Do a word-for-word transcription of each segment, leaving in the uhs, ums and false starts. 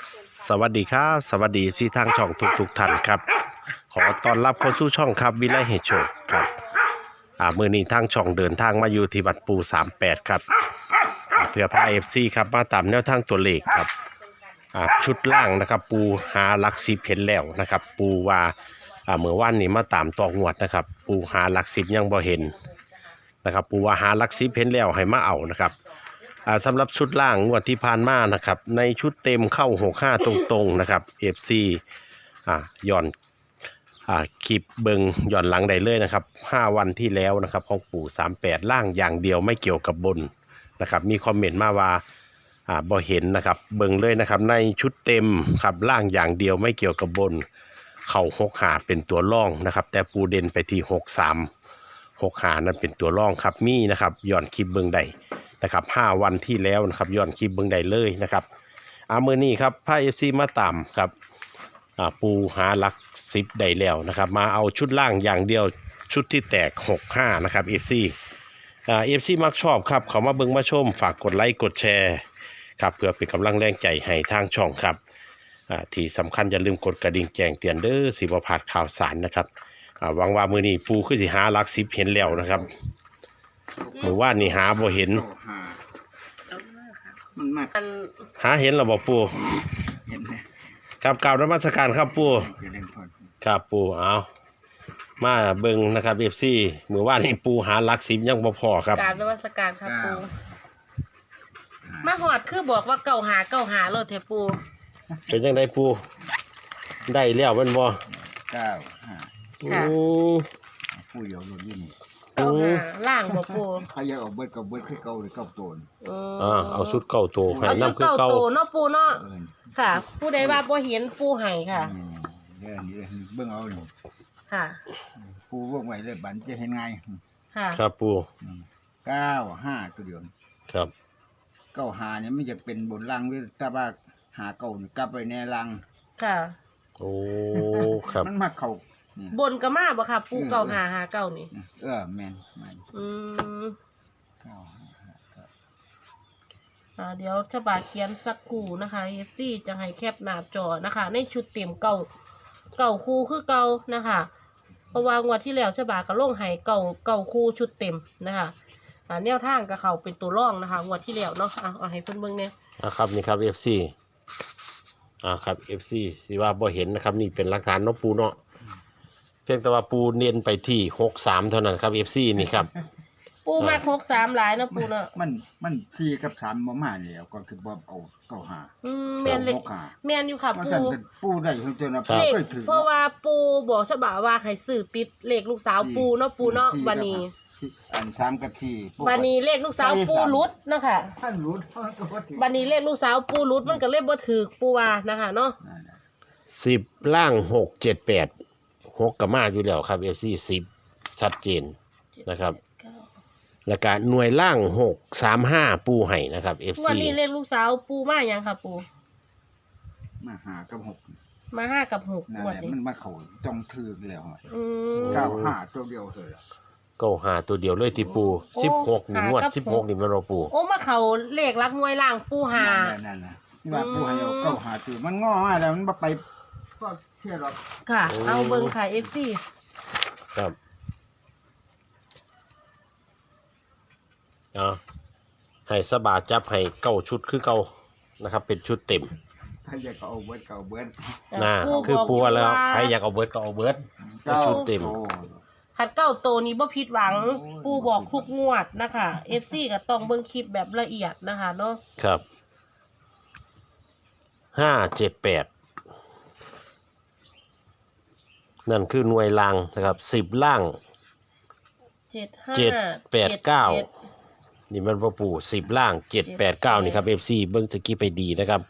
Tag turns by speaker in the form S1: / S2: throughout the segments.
S1: สวัสดีครับสวัสดีที่ทางช่องทุกทุกท่านครับ ขอต้อนรับเข้าสู่ช่องครับวิไลให้โชคครับอ่ามือนี้ทางช่องเดินทางมาอยู่ที่วัดปูสามแปดครับอ่าเพื่อพาเอฟซีครับมาตามแนวทางตัวเลขครับอ่าชุดล่างนะครับปูหาหลักสิบเห็นแล้วนะครับ ปูว่าอ่าเมื่อวานนี้มาตามต่องวดนะครับ ปูหาหลักสิบยังบ่เห็นนะครับ ปูว่าหาหลักสิบเห็นแล้วให้มาเอานะครับอ่าสำหรับชุดล่างงวดที่ผ่านมานะครับในชุดเต็มเข้าหกห้าตรงๆนะครับ เอฟ ซี อ่าย้อนอ่าคลิปเบิงย้อนหลังได้เลยนะครับห้าวันที่แล้วนะครับของปู่สามแปดล่างอย่างเดียวไม่เกี่ยวกับบนนะครับมีคอมเมนต์มาว่าอ่าบ่เห็นนะครับเบิงเลยนะครับในชุดเต็มครับล่างอย่างเดียวไม่เกี่ยวกับบนเข่าหกหาเป็นตัวร่องนะครับแต่ปูเด่นไปที่หกสามหกหานั้นเป็นตัวร่องครับมีนะครับย้อนคลิปเบิงได้นะครับห้าวันที่แล้วนะครับย้อนคลิปเบิงได้เลยนะครับอามือนี้ครับพาเอฟซีมาตามครับปูหาหลักสิบได้แล้วนะครับมาเอาชุดล่างอย่างเดียวชุดที่แตกหกห้านะครับเอฟซีเอฟซีมักชอบครับเขามาเบิ่งมาชมฝากกดไลค์กดแชร์ครับเพื่อเป็นกำลังแรงใจให้ทางช่องครับที่สำคัญอย่าลืมกดกระดิ่งแจ้งเตือนเด้อสิบ่พลาดข่าวสารนะครับหวังว่ามือนี้ปูคือสิหาหลักสิบเห็นแล้วนะครับเมื่อวานนี่หาบ่เห็น
S2: มันมาก
S1: หาเห็นหรือบ่ปู
S2: เห็นไหม
S1: ครับกล่าวนมัสการครับปูครับปูเอามาเบิ่งนะครับเอฟซีเมื่อวานนี้ปูหาหลักสิบยังบ่พอครับ
S3: กราบนมัสการครับปูมาหอดคือบอกว่าเก่าหาเก่าหาโลดเทปู
S1: เป็นจังไดปูได้แล้วแม่นบ่
S2: เก้าห้า
S3: ค่ะ
S2: ปูเหี่ยวรถยิ่ง
S3: เก่าหาล่างบ่ปู
S2: พายาออกเบิดกับเบิดคือเก่าหรือเก่าโตน
S1: อ่าเอาชุดเก่าโตให้นำคือเก่า
S3: โตเนาะปูเนาะค่ะผู้ใดว่าบ่เห็นปูให้ค่ะ
S2: เรื่องนี้เบิ่งเอานี่
S3: ค่ะ
S2: ปูวงไว้เลยบัดจะเห็นไง
S3: ค่ะ
S1: ครับปู
S2: เก้าห้าตัวเดียว
S1: ครับ
S2: เก้าหาเนี่ยไม่จะเป็นบนล่างหรือถ้าว่าหาเก่านี่กลับไปในล่าง
S3: ค่ะ
S1: โอ้ครับ
S2: มันมาเข้า
S3: บนก็มาบ่ค่ะปูเก่าหาหาเก่านี่
S2: เออแม่น
S3: อืม
S2: เก้าห้า
S3: อ่าเดี๋ยวฉบับเขียนสักคู่นะคะเอฟซีจะให้แคปหน้าจอนะคะในชุดเต็มเก่าเก่าคู่คือเก่านะคะเพราะว่างวดที่แล้วฉบับก็ลงให้เก่าเก่าคู่ชุดเต็มนะคะอ่าแนวทางกับเขาเป็นตัวร่องนะคะงวดที่แล้วเนาะอ่ะเอาให้เพิ่นเบิ่งเนี่ย
S1: อ่ะครับนี่ครับ เอฟ ซี อ่าครับ เอฟ ซี สิว่าบ่เห็นนะครับนี่เป็นหลักฐานเนาะปูเนาะเพียงแต่ว่าปูเน้นไปที่หกสามเท่านั้นครับ เอฟ ซี นี่ครับ
S3: ปูมาหกสามหลายนะปูเนาะ
S2: มันมันสี่กับสามบ่มาแล้วก็คือบ่เอาเก้าห้า
S3: อืมแม่นเลยแม่นอยู่ค่ะปู
S2: ปูได้เพิ่นเจอนะ
S3: เลขเพราะว่าปูบอกฉบับว่าให้ซื้อติดเลขลูกสาวปูเนาะปูเนาะวันนี้
S2: อันสามกับสี่
S3: วันนี้เลขลูกสาวปูรุดนะคะ
S2: ท่านรุด
S3: วันนี้เลขลูกสาวปูรุดมันก็เลยบ่ถูกปูว่านะคะเนาะ
S1: สิบล่างหกเจ็ดแปดหกก็มาอยู่แล้วครับ เอฟ ซี สิบชัดเจนนะครับแล้วก็หน่วยล่างหกสามห้าปูให้นะครับ เอฟ ซี
S3: วันนี้เลขลูกสาวปูมาอย่างค่ะปู
S2: มาห้ากับหก
S3: มาห้ากับหก
S2: งวดนี้มันมาเขาจ้องถือแล้ว
S3: อืม
S2: เก้าห้าตัวเดียวเลย
S1: เก้าห้าตัวเดียวเลยที่ปูสิบหกนี่งวดสิบหกนี่มันเราปู
S3: โอ้มาเขาเลขรักหน่วยล่างปูหา
S2: นั่นน่ะนี่ว่าปูให้เอาเก้าห้าตัวมันง้อมาแล้วมันบ่ไปก็เชื่อหรอก
S3: ค่ะเอาเบิ่งค่ะ เอฟ ซี
S1: ครับอ่าให้สบาจับให้เก้าชุดคือเก้านะครับเป็นชุดเต็ม
S2: ใครอยากเอาเบิร์ดก็เอาเบิร์ด
S1: น่าคือปูแล้วใครอยากเอาเบิร์ดก็เอาเบิร์ดชุดเต็ม
S3: ขัดเก้าโตนี้บ่ผิดหวังปูบอกทุกงวดนะคะ เอฟ ซี ก็ต้องเบิ่งคลิปแบบละเอียดนะคะเนาะ
S1: ครับห้าเจ็ดแปดนั่นคือหน่วยล่างนะครับสิบล่าง
S3: เจ็ดห้า
S1: เจ็ดแปดเก้านี่มันพ่อปู่สิบล่างเจ็ดแปดเก้านี่ครับเอฟซีเบิ้งสกี้ไปดีนะครับ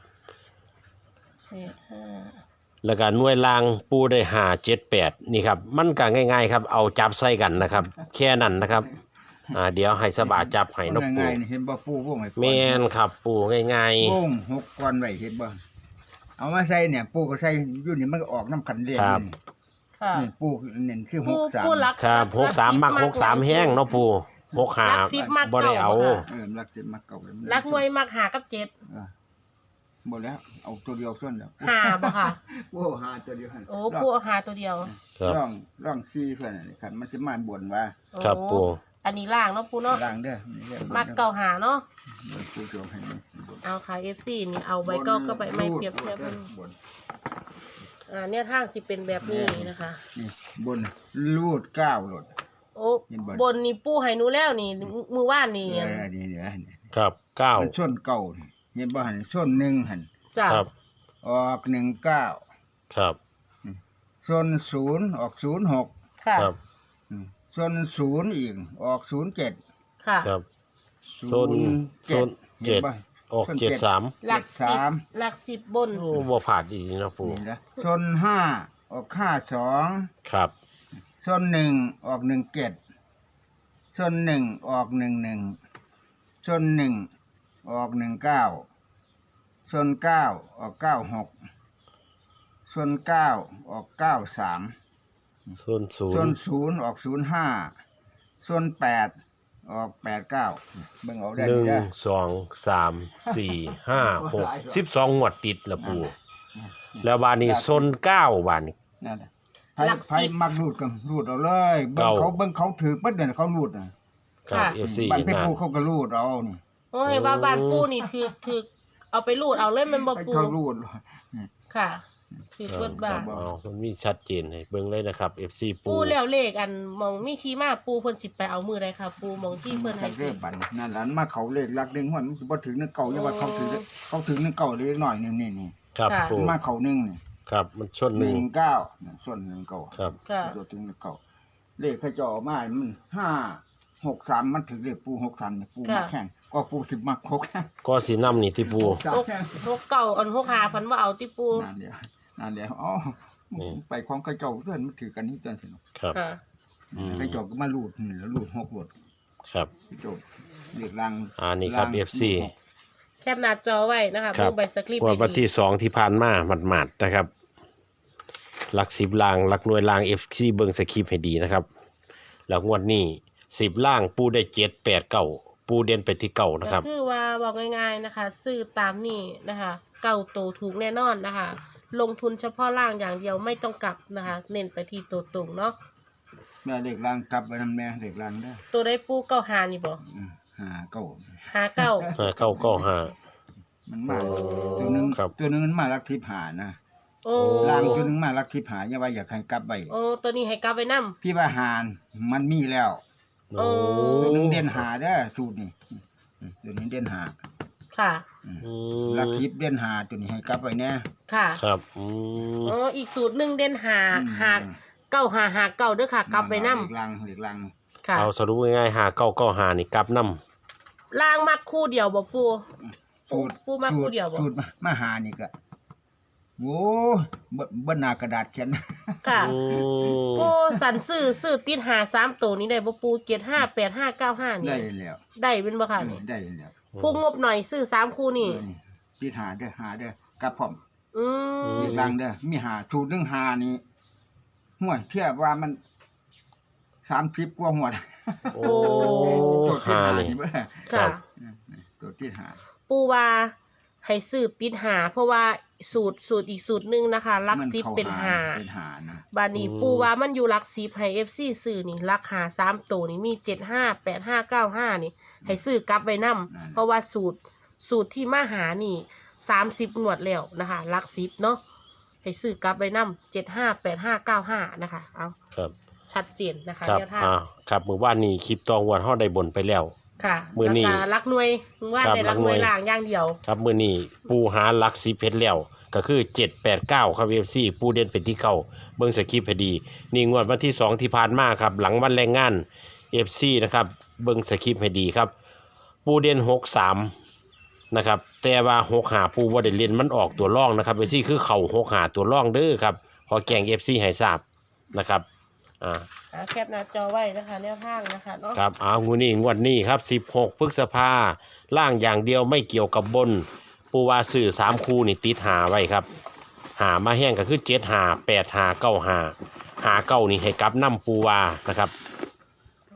S1: แล้วก็หน่วยล่างปูได้หาเจ็ดแปดนี่ครับมันก็ง่ายๆครับเอาจับใส่กันนะครับแค่นั้นนะครับอ่าเดี๋ยวให้สบาจับให้นกปู
S2: เห็นบ่ปูวงไห้
S1: แม่นครับปูง่าย
S2: ๆวงหกก้อนไว้เห็นบ่เอามาใส่เนี่ยปูก็ใส่อยู่นี่มันก็ออกน้ำขันเรียนนี่ปูเน้นคือหกสาม
S1: ครับหกสามมักหกสามแห้งเนาะปูหกหาบ่ได้เอา
S2: เออรักเจ็ดมักเก่า
S3: รักหน่วยมักหากับเจ็ด
S2: บ่แล้วเอาตัวเดียวส่วนแล้ว
S3: หาบ่ค่ะ
S2: โอ้หาตัวเดียวหั่น
S3: โอ้ปูเอาหาตัวเดียว
S1: ครับ
S2: ร่องร่องซี่ส่วนนี่คันมันสิมาบนว่า
S1: ครับปู
S3: โอ้อันนี้ล่างเนาะปูเนาะ
S2: ล่างเด้อนี่เด้อ
S3: มักเก่าหาเนาะ
S2: ปูโจมให้นี่
S3: เอาค่ะ เอฟ ซี นี่เอาใบเก้าก็ใบไม่เปรียบเทียบกัน
S2: บน
S3: อ่าเนี่ยทางสิเป็นแบบนี้นะคะ
S2: นี่บนรูดเก้าโหลด
S3: โอ้
S2: เห็นบ่
S3: บนนี่ปูให้หนูแล้วนี่มือว่านนี่
S2: เออนี่เดี๋ยวนี่
S1: ครับเก้า
S2: มันส้นเก่านี่เห็นบ่หั่นส้นหนึ่งหั่น
S3: จ้ะ
S1: ครับ
S2: ออกหนึ่งเก้า
S1: ครับ
S2: ส้นศูนย์ออกศูนย์หก
S3: ค่ะ
S1: ครับ
S2: ส้นศูนย์อีกออกศูนย์เจ็ด
S3: ค่ะ
S1: ครับโซนโซน
S2: เห็
S1: เจ็
S2: น
S1: ด
S2: บ่
S1: ออกเจ็ดสาม
S3: หลักสิบ
S2: สาม
S3: หลักสิบบน
S1: โอ้บ่ผ่านดีนะปู
S2: นี่นะส้นห้าออกห้าสอง
S1: ครับ
S2: ส้นหนึ่งออกหนึ่งเจ็ดส้นหนึ่งออกหนึ่งหนึ่งส้นหนึ่งออกหนึ่งเก้าส้นเก้าออกเก้าหกส้นเก้าออกเก้าสาม
S1: โซนศู
S2: ส้
S1: น
S2: น
S1: ย์
S2: ศูนย์ออกศูนย์ห้าส้นแปดออกแปดเก้าเบิ่งเอาได้
S1: หนึ่ง
S2: เด้อ
S1: สองสามสี่ห้าหกสิบสองงวดติดละปูแล้วบานนี้โซนเก้าบานนี้
S2: นั่นน่ะไผ
S3: หลักสิบ
S2: ไผมักรูดกันรูดเอาเลยเบิ่ง
S1: เก้า
S2: เขาเบิ่งเขาถือปั๊ดเนี่ยเขารูดน่ะ
S1: ครับ
S3: ค่ะ
S1: เอฟซี
S2: บ้านเพชร
S1: นะ
S2: ภูเขาก็รูดเอานี่
S3: โอ้ยบ้าบานปูนี่ถือถือเอาไปรูดเอาเลยแมันบ่
S2: ให้
S3: ปู
S2: เขารูด
S3: ค่ะถือเบิดบ้าน
S1: อ๋อมันมีชัดเจนให้เบิ่งเลยนะครับ เอฟ ซี ปู
S3: ปูแล้วเลขอันมองมีที่มาปูเพิ่นสิไปเอามือใดค่ะ ปูมองที่เพิ่นให้
S2: เรื่องบันนั่นหลานมาเขาเลขลักหนึงหัวมันสิบ่ถึงนึงเก่าอย่าว่าเขาถึงเขาถึงนึงเก่าเล็กน้อยนี่นี่นี่
S1: ครับปู
S2: มาเขาหนึงนี่
S1: ครับมันชนห
S2: ห
S1: นึ่
S2: นึ่
S1: ง
S2: งเก้าส่วนหนึ่งเก่า
S1: ครับ
S3: ค่ะ
S2: ตัวถึงนึงเก่าเลขเขาจะออกมามันห้าหกสามมันถึงเลขปูหกสามนี่ปูมาแข่งก็ปูสิมาคก
S1: ก็สีน้ำนี่ที่ปู
S2: สาม
S3: หก
S2: แข่ง
S3: หกเก่าอันหกหาเพันว่าเอาที่ปู
S2: นั่นเดียวนั่นเดียวอ๋อไปของกระเจ้าเพื่อนมันถือกันนี่จนถึง
S1: ครับ
S3: ค่ะ
S1: อืม
S2: กระเจ้าก็มาลูดนี่แล้วลูดหกลูด
S1: ครับ
S2: กระเจ้าเลขลัง
S1: อ่านี่ครับ เอฟ ซี
S3: แคปหน้าจอไว้นะคะ
S1: ครับ
S3: เบิ่งใบสคริปต์
S1: งวด
S3: ให้
S1: วัน
S3: ดี
S1: ที่สองที่ผ่านมาหมาดๆนะครับ หลักสิบล่างหลักหน่วยล่าง เอฟ ซี เบิ่งสคริปต์ให้ดีนะครับ แล้วงวดนี้สิบล่างปูได้เจ็ดแปดเก้าปูเด่นไปที่เก้านะค
S3: ก็
S1: รับ
S3: คือว่าบอกง่ายๆนะคะ ซื้อตามนี่นะคะ เก่าโตถูกแน่นอนนะคะ ลงทุนเฉพาะล่างอย่างเดียวไม่ต้องกลับนะคะ เน้นไปที่ตัวตรงเนาะ
S2: แม่เลขลังกลับไปนำแม่เลขลังได้อ
S3: ตัวได้ปูเก้าหานี่บ่
S2: อืมหาเก้า
S3: หาเก้า
S1: ห้าเก้าเก้าห้า
S2: มันมา
S3: โอ้
S2: ตัวหนึง
S1: ครับ
S2: ตัวหนึงมันมาลักทิพหานะ
S3: โอ้
S2: ลางตัวหนึงมาลักทิพหาอย่าว่าอยากให้กลับไป
S3: โอ้ตัวนี้ให้กลับไปนำ
S2: พี่ว่าหานมันมีแล้ว
S3: โอ้
S2: ตัวหนึงเด่นหาเด้อสูตรนี่อืมตัวนี้เด่นหา
S3: ค่ะ
S2: อืม
S1: อื
S2: ลัก
S1: ม
S2: ทิพเด่นหาตัวนี้ให้กลับไปแน่
S3: ค่ะ
S1: ครับอืม
S3: อ๋ออีกสูตรหนึ่งเด่นหา
S2: อืม
S3: หาเก้าหาหาเก้าเด้อค่ะ กลับไปนำ
S2: เลขลังเลขลัง
S3: ค่ะ
S1: เอาสรุปง่ายๆหาเก้าเก้าหานี่กลับน้
S3: ล่างมักคู่เดียวบ่ปู
S2: สูตร
S3: ปูมาคู่เดียวบ่
S2: สูตรมามาหานี่ก็โว้บ่บ่หนากระดาษเขียน
S3: ค่ะ
S1: ำอืม
S3: ปูสันซื้อซื้อติดหาสามตัวนี้ได้บ่ปูเจ็ดห้าแปดห้าเก้าห้านี่
S2: ได้แล้ว
S3: ได้เป็นบ่ค่ะนี่
S2: ได้แล้ว
S3: ผู้งบหน่อยซื้อสามคู่นี่
S2: เออนี่ที่หาเด้อหาเด้อกลับพร้อม
S3: อืม
S2: เลขลังเด้อมีหาสูตรหนึงหานี่ห่วยเทียบว่ามันสามสิบกว่าหัว
S1: โอ้
S2: ตัวที่
S1: หา
S2: หา
S1: นี่
S2: นี่เบ้อ
S3: ค่ะ
S2: ตัวที่หา
S3: ปูว่าให้ซื้อติดหา เพราะว่าสูตรสูตรอีกสูตรหนึงนะคะลัก
S2: มัน
S3: ซิป
S2: ข้
S3: เป็นหา
S2: เป็นหานะ
S3: บานี้ปูว่ามันอยู่ลักซิปให้ เอฟ ซี ซื้อนี่ลักหาสามตัวนี่มีเจ็ดห้าแปดห้าเก้าห้านี่ให้ซื้อกลับไว้นํเพราะว่าสูตรสูตรที่มาหานี่สามสิบงวดแล้วนะคะลักซิปเนาะให้ซื้อกลับไว้นํเจ็ดห้าแปดห้าเก้าห้านะคะเอา
S1: ครับ
S3: ชัดเจนนะคะ
S1: ครับ
S3: แนวทาง
S1: อ่าครับมือว่านนี้คลิปตองวันห่อได้บนไปแล้ว
S3: ค่ะ
S1: มื้อนี้
S3: แล้วก็รักหน่วยว่า
S1: ครับ
S3: ใน
S1: รั
S3: รั
S1: ก
S3: ก
S1: ห
S3: ห
S1: น่
S3: น่
S1: ว
S3: วย ยล่างอย่างเดียว
S1: ครับมือนี้ปูหาหลักสีเพชรแล้วก็คือเจ็ดแปดเก้าครับเอฟซีปูเด่นเป็นที่เก้าเบิ้งสคริปต์ให้ดี นี่งวดวันที่สองที่ผ่านมาครับหลังวันแรงงานเอฟซีนะครับเบิ้งสคริปต์ให้ดีครับ ปูเด่นหกสามนะครับแต่ว่าหกหาปูว่าได้เล่นมันออกตัวร่องนะครับเอฟซีคือเข่าหกหาตัวร่องเด้อครับขอแกงเอฟซีให้ทราบนะครับอ่า
S3: อ่าแคปหน้าจอไว้นะคะแนวทางนะคะเนาะ
S1: ครับเอางูนี่งวดนี้ครับสิบหกพฤษภาล่างอย่างเดียวไม่เกี่ยวกับบน ปูวาสื่อสามคู่นี่ติดหาไว้ครับ หามาแห้งก็คือเจ็ดหาแปดหาเก้าหาหาเก้านี่ให้กลับน้ำปูวานะครับ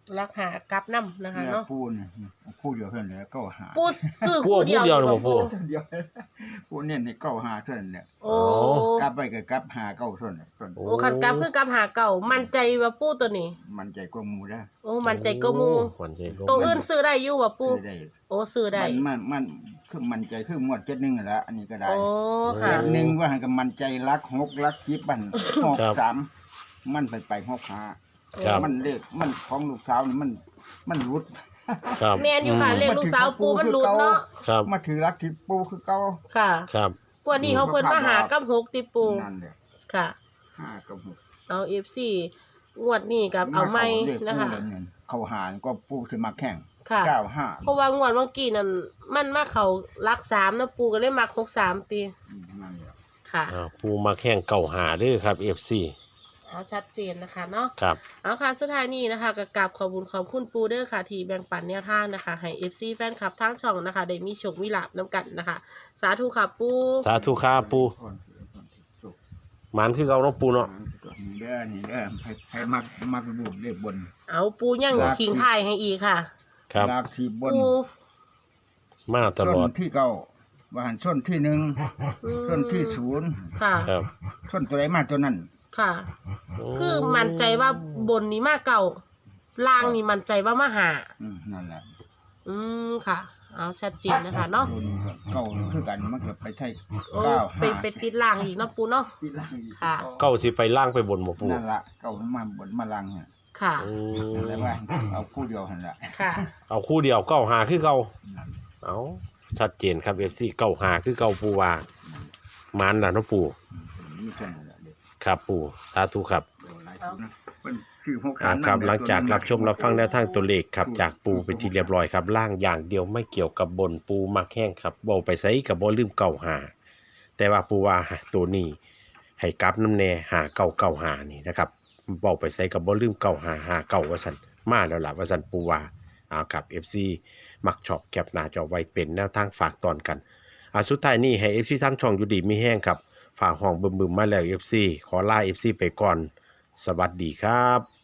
S3: รักหากลับน้ำนะคะ
S2: เนี่ย
S3: เนาะ
S2: ปูเนี่ยปูเดียวเท่านั้นแหละเก้าหา
S3: ปูซื้อ
S1: ปู
S3: คู่เดียว
S1: คู่เดียวเหรอบ่ปู
S2: เดียวปูเนี่ยในเก้าหาเท่านั้นแหละ
S3: โอ้
S2: กลับไปก็กลับหาเก้าเท่านั้นส่วน
S1: โอ้
S3: โอ้คันกลับคือกลับหาเก่ามั่นใจว่าปูตัวนี้
S2: มันใจกว่าหมูได้
S3: โอ้มั่นใจก็มู
S1: มั่นใจก็
S3: ตัวอื่นซื้อได้อยู่ว่าปู
S2: ได้
S3: โอ้ซื้อได้
S2: มันมันมันคือมันใจคือหมวดเจ็ดหนึ่งนั่นแหละอันนี้ก็ได้
S3: โอ้ค่ะ
S2: เจ็ดหนึ่งว่าหันกับมันใจรักหกรักยิบบันหกสามมันไปไปหกหา
S1: ครับ
S2: มันเลขมันของลูกสาวนี่มันมันรุด
S1: ครับ
S3: แม่นอยู่ค่ะเลขลูกสาวปูมันหลุดเนาะ
S1: ครับ
S2: มาถือรักที่ปูคือเก่า
S3: ค่ะ
S1: ครับ
S3: กว่านี้เขาเพิ่นมาหากับหกติปู
S2: นั่นแหละ
S3: ค่ะ
S2: ห้ากับหก
S3: เอา เอฟ ซี งวดนี้กับเอาไม่
S2: เลข
S3: นะคะ
S2: ปูแล้วเนี่ยเขาหารก็ปูคือมาแข่ง
S3: ค่ะ
S2: เก้าห้า
S3: เพราะว่างวดเมื่อกี้นั่นมันมาเขารักสามนะปูก็เลยมักหกสามปี
S2: อืมนั่นแหละ
S3: ค่ะ
S1: อ่าปูมาแข่งเก่าหาเด้อครับ เอฟ ซี
S3: เอาชัดเจนนะคะเนาะ
S1: ครับ
S3: เอาค่ะสุดท้ายนี้นะคะกับกราบขอบคุณขอบคุณปูเดอร์ค่ะที่แบ่งปันแนวทางนะคะให้ เอฟ ซี แฟนคลับทั้งช่องนะคะได้มีโชคมีลาบน้ำกันนะคะ สาธุค่ะปู
S1: สาธุครับปูหมันคือเก่าเนาะปูเนาะ
S2: นี่เด้อนี่เด้อให้ให้มักมักดูเลขบน
S3: เอาปูยังทิ้งท้ายให้อีกค่ะ
S1: ครับ
S2: ลากที่บน
S3: ปู
S1: มาต
S2: ส้
S1: ลอด
S2: นที่เก้าว่าหันส้นที่หนึ่ง
S3: อืม
S2: ส้นที่ศูนย์
S3: ค่ะ
S1: ครับ
S2: ส้นตัวไหนมาตัวนั้น
S3: ค่ะ คือมั่นใจว่าบนนี้มาเก่าล่างนี่มั่นใจว่ามาหา
S2: อืมนั่นแหละ
S3: อืมค่ะ เอาชัดเจนนะคะเนาะ
S2: ตัวนี้ก็เก้าคือกันมันก็ไปใช่
S3: โอ้
S2: เก้า
S3: ไป
S2: ห้า
S3: ไปติดล่างอีกเนาะปูเนาะ
S2: ที่ล่างอีก
S3: ค่ะ
S1: เก้าสิไปล่างไปบนบ่ปู
S2: นั่นละเก้ามันมาบนมาลังเนี่ย
S3: ค่ะ
S1: อืม
S2: นั่นแหละว่าเอาคู่เดียวหันละ
S3: ค่ะ
S1: เอาคู่เดียวเก้าหาคือเก่า
S2: นั่น
S1: เอาชัดเจนครับ เอฟ ซี เก้าหาคือเก่าปูว่าหมันน่ะเนาะปู
S2: นี่แค่นั้นแหละเด็ก
S1: ครับปูสาธุครับ
S2: หลายคนนะเป็นคือหก
S1: ครับ
S2: สาม
S1: ครับ
S2: นั่น
S1: หลังจาก
S2: ตัวนั้น
S1: รับชมรับฟังแนวทางตัวเลขครับจากปูเป็นที่เรียบร้อยครับล่างอย่างเดียวไม่เกี่ยวกับบนปูมักแห้งครับบ่ไปใส่กับบ่ลืมเก่าหาแต่ว่าปูว่าตัวนี้ให้กลับน้ำแน่หาเก่าเก่าหานี่นะครับบ่ไปใส่กับบ่ลืมเก่าหาหาเก่าว่าซั่นมาแล้วล่ะว่าซั่นปูว่าเอาครับ เอฟ ซี มักชอบแคปหน้าจอไว้เป็นแนวทางฝากตอนกันอ่ะสุดท้ายนี้ให้ เอฟ ซี ทั้งช่องอยู่ดีมีแห้งครับฝากห้องบึมๆมาแล้ว เอฟ ซี ขอลา เอฟ ซี ไปก่อนสวัสดีครับ